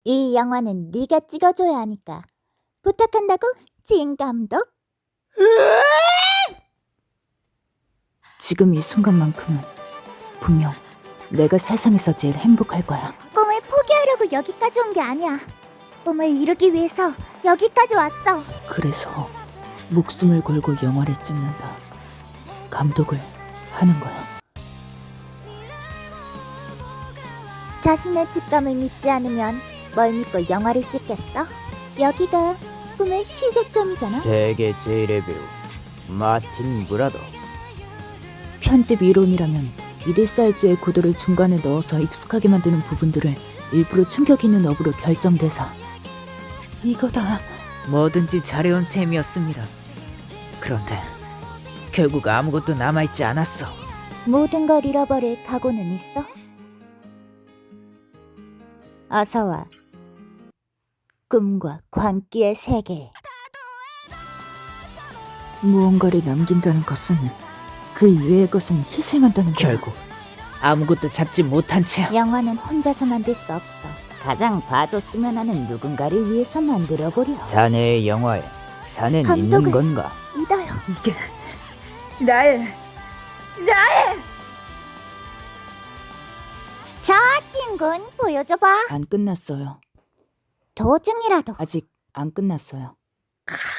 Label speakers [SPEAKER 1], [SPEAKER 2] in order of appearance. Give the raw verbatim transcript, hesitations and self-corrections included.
[SPEAKER 1] 이 영화는 네가 찍어줘야 하니까 부탁한다고, 진 감독.
[SPEAKER 2] 지금 이 순간만큼은 분명 내가 세상에서 제일 행복할 거야.
[SPEAKER 1] 꿈을 포기하려고 여기까지 온 게 아니야. 꿈을 이루기 위해서 여기까지 왔어.
[SPEAKER 2] 그래서 목숨을 걸고 영화를 찍는다. 감독을 하는 거야.
[SPEAKER 1] 자신의 직감을 믿지 않으면 뭘 믿고 영화를 찍겠어? 여기가 꿈의 시작점이잖아.
[SPEAKER 3] 세계 제일의 배우 마틴 브라더.
[SPEAKER 2] 편집 이론이라면 미디 사이즈의 구도를 중간에 넣어서 익숙하게 만드는 부분들을 일부러 충격 있는 업으로 결정돼서 이거다.
[SPEAKER 4] 뭐든지 잘해온 셈이었습니다. 그런데 결국 아무것도 남아있지 않았어.
[SPEAKER 1] 모든 걸 잃어버릴 각오는 있어? 어서 와. 꿈과 광기의 세계.
[SPEAKER 2] 무언가를 남긴다는 것은 그 이외의 것은 희생한다는 거야.
[SPEAKER 4] 결국 아무것도 잡지 못한 채
[SPEAKER 1] 영화는 혼자서 만들 수 없어. 가장 봐줬으면 하는 누군가를 위해서 만들어보려.
[SPEAKER 3] 자네의 영화에 자넨 있는
[SPEAKER 1] 감독을-
[SPEAKER 3] 건가?
[SPEAKER 1] 믿어요.
[SPEAKER 2] 이게 나의
[SPEAKER 1] 자, 찐군 보여줘봐.
[SPEAKER 2] 안 끝났어요.
[SPEAKER 1] 도중이라도.
[SPEAKER 2] 아직 안 끝났어요.
[SPEAKER 1] 크,